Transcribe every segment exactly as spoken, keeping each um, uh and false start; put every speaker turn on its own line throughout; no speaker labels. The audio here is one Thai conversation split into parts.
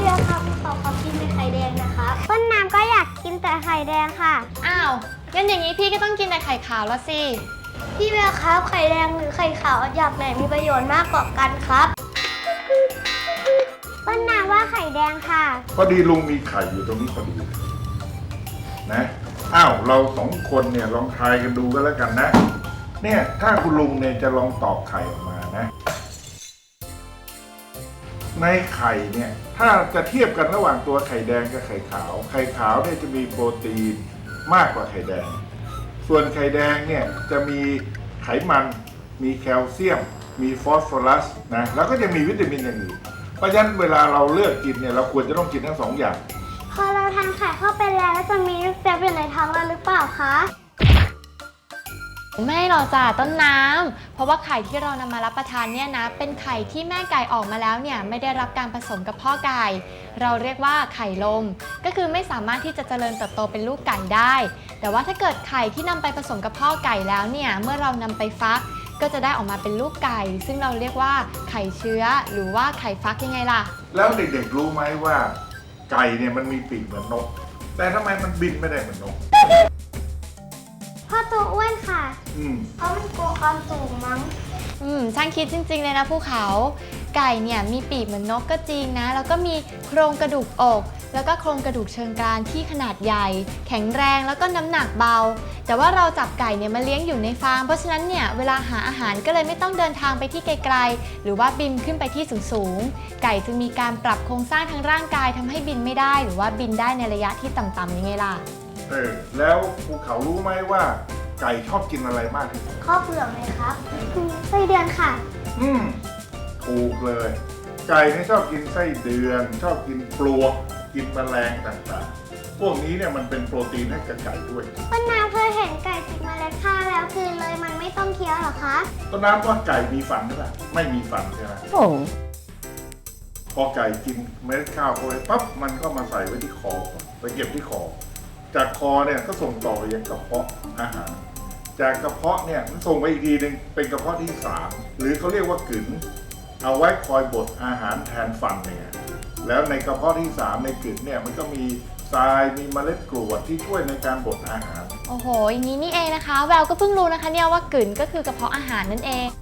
เรือครับขอขอกินเป็นไข่แดงนะครับต้นน้ำก็อยากกินแต่ไข่แดงค่ะ
อ้าวงั้นอย่างนี้พี่ก็ต้องกินแต่ไข่ขาวแล้วสิ
พี่เรือครับไข่แดงหรือไข่ขาวอยากไหนมีประโยชน์มากกว่ากันครับต้นน้ำว่าไข่แดงค่ะ
พอดีลุงมีไข่อยู่ตรงนี้พอดีนะอ้าวเราสองคนเนี่ยลองทายกันดูก็แล้วกันนะเนี่ยถ้าคุณลุงเนี่ยจะลองตอกไข่ออกมานะในไข่เนี่ยถ้าจะเทียบกันระหว่างตัวไข่แดงกับไข่ขาวไข่ขาวเนี่ยจะมีโปรตีนมากกว่าไข่แดงส่วนไข่แดงเนี่ยจะมีไขมันมีแคลเซียมมีฟอสฟอรัสนะแล้วก็จะมีวิตามินอย่างอื่นเพราะฉะนั้นเวลาเราเลือกกินเนี่ยเราควรจะต้องกินทั้งสองอย่าง
พอเราทานไข่เข้าไปแล้วจะมีลูกเจี๊ยบอยู่ในท้องเราหรือเปล่าคะ
ไม่หรอกจ้ะต้นน้ำเพราะว่าไข่ที่เรานำมารับประทานเนี่ยนะเป็นไข่ที่แม่ไก่ออกมาแล้วเนี่ยไม่ได้รับการผสมกับพ่อไก่เราเรียกว่าไข่ลมก็คือไม่สามารถที่จะเจริญเติบโตเป็นลูกไก่ได้แต่ว่าถ้าเกิดไข่ที่นำไปผสมกับพ่อไก่แล้วเนี่ยเมื่อเรานำไปฟักก็จะได้ออกมาเป็นลูกไก่ซึ่งเราเรียกว่าไข่เชื้อหรือว่าไข่ฟักยังไงล่ะ
แล้วเด็กๆรู้ไหมว่าไก่เนี่ยมันมีปีกเหมือนนกแต่ทำไมมันบินไม่ได้เหมือนนก
พ่อตัวอ้วนค่ะ
อืม
เพราะมันกลัวความสูงมั้ง
อืมช่างคิดจริงๆเลยนะภูเขาไก่เนี่ยมีปีกเหมือนนกก็จริงนะแล้วก็มีโครงกระดูกอกแล้วก็โครงกระดูกเชิงกรานที่ขนาดใหญ่แข็งแรงแล้วก็น้ำหนักเบาแต่ว่าเราจับไก่เนี่ยมาเลี้ยงอยู่ในฟาร์มเพราะฉะนั้นเนี่ยเวลาหาอาหารก็เลยไม่ต้องเดินทางไปที่ไกลๆหรือว่าบินขึ้นไปที่สูงๆไก่จึงมีการปรับโครงสร้างทางร่างกายทำให้บินไม่ได้หรือว่าบินได้ในระยะที่ต่ำๆยังไงล่ะ
เออแล้วภูเขารู้ไหมว่าไก่ชอบกินอะไรมากที่สุด
ข้าวเปลือกเลยครับไส้เดือนค่ะ
อืมถูกเลยไก่เนี่ยชอบกินไส้เดือนชอบกินปลวกกินแมลงต่างๆพวกนี้เนี่ยมันเป็นโปรตีนให้กับไก่ด้วย
ต้นน้ำเคยเห็นไก่ติดเมล็ดข้าวแล้วคือเลยมันไม่ต้องเคี้ยวหรอคะ
ต้นน้ำว่าไก่มีฟันหรือเปล่าไม่มีฟันใช่ไหม
โอ้
พอไก่กินเมล็ดข้าวเข้าไปปั๊บมันก็มาใส่ไว้ที่คอไปเก็บที่คอจากคอเนี่ยก็ส่งต่อไปยังกระเพาะอาหารจากกระเพาะเนี่ยมันส่งไปอีกทีหนึ่งเป็นกระเพาะที่สามหรือเขาเรียกว่ากลืนเอาไว้คอยบดอาหารแทนฟันเนี่ยแล้วในกระเพาะที่สามในกลืนเนี่ยมันก็มีทรายมีเมล็ดกรวดที่ช่วยในการบดอาหาร
โอ้โหอย่างนี้นี่เองนะคะแววก็เพิ่งรู้นะคะเนี่ยว่ากลืนก็คือกระเพาะอาหารนั่นเอง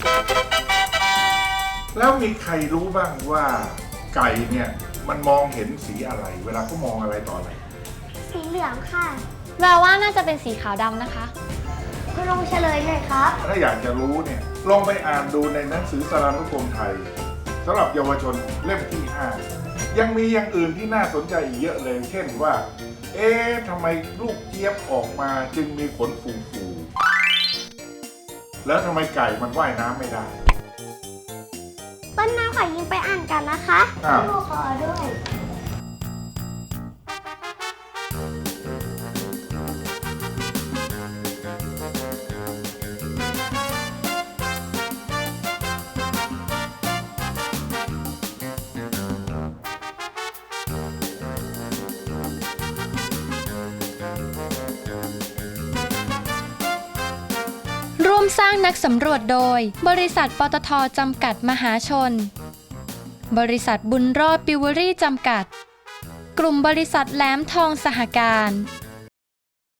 แล้วมีใครรู้บ้างว่าไก่เนี่ยมันมองเห็นสีอะไรเวลาเขามองอะไรต่ออะไร
สีเหลืองค่ะ
แววว่าน่าจะเป็นสีขาวดำนะคะ
คุณลองเฉลยหน่อยครับ
ถ้าอยากจะรู้เนี่ยลองไปอ่านดูในหนังสือสารานุกรมไทยสำหรับเยาวชนเล่มที่ห้ายังมีอย่างอื่นที่น่าสนใจอีกเยอะเลยเช่นว่าเอ๊ะทำไมลูกเจี๊ยบออกมาจึงมีขนฟูๆแล้วทำไมไก่มันว่ายน้ำไม่ได้
ต้นน้ำขอยิงไปอ่านกันนะคะลูกขอด้วย
ร่วมสร้างนักสำรวจโดยบริษัทปตท.จำกัดมหาชนบริษัทบุญรอดปิวเวอรี่จำกัดกลุ่มบริษัทแหลมทองสหการ